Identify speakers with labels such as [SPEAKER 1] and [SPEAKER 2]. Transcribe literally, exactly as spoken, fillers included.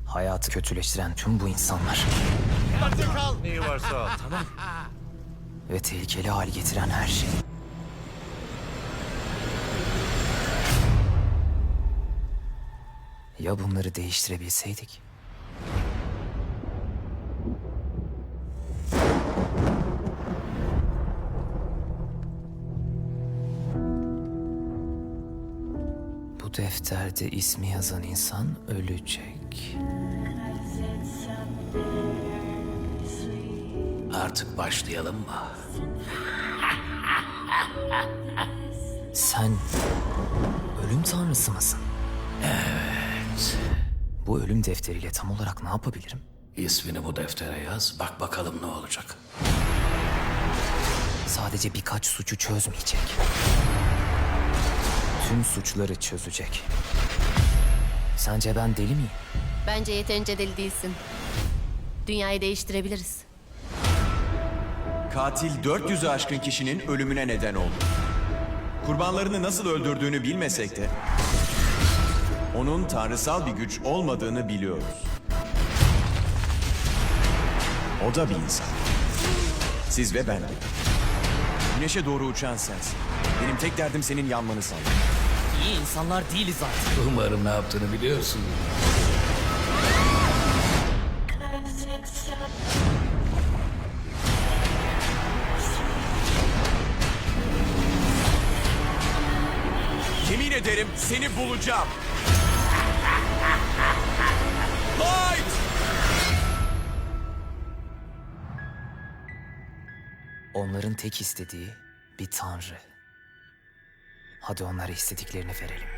[SPEAKER 1] Hayatı kötüleştiren tüm bu insanlar
[SPEAKER 2] Artık kal.
[SPEAKER 3] Neyi varsa al, tamam.
[SPEAKER 1] ve tehlikeli hale getiren her şey. Ya bunları değiştirebilseydik? Bu defterde ismi yazan insan ölecek.
[SPEAKER 4] Artık başlayalım mı?
[SPEAKER 1] Sen ölüm tanrısı mısın?
[SPEAKER 4] Evet.
[SPEAKER 1] Bu ölüm defteriyle tam olarak ne yapabilirim?
[SPEAKER 4] İsmini bu deftere yaz, bak bakalım ne olacak.
[SPEAKER 1] Sadece birkaç suçu çözmeyecek. Tüm suçları çözecek. Sence ben deli miyim?
[SPEAKER 5] Bence yeterince deli değilsin. Dünyayı değiştirebiliriz.
[SPEAKER 2] Katil dört yüzü aşkın kişinin ölümüne neden oldu. Kurbanlarını nasıl öldürdüğünü bilmesek de onun tanrısal bir güç olmadığını biliyoruz. O da bir insan. Siz ve ben. Güneşe doğru uçan sensin. Benim tek derdim senin yanmanı sağlamak.
[SPEAKER 1] İyi insanlar değiliz zaten.
[SPEAKER 4] Umarım ne yaptığını biliyorsun.
[SPEAKER 2] Yemin ederim seni bulacağım. Light!
[SPEAKER 1] Onların tek istediği bir tanrı. Hadi onlara istediklerini verelim.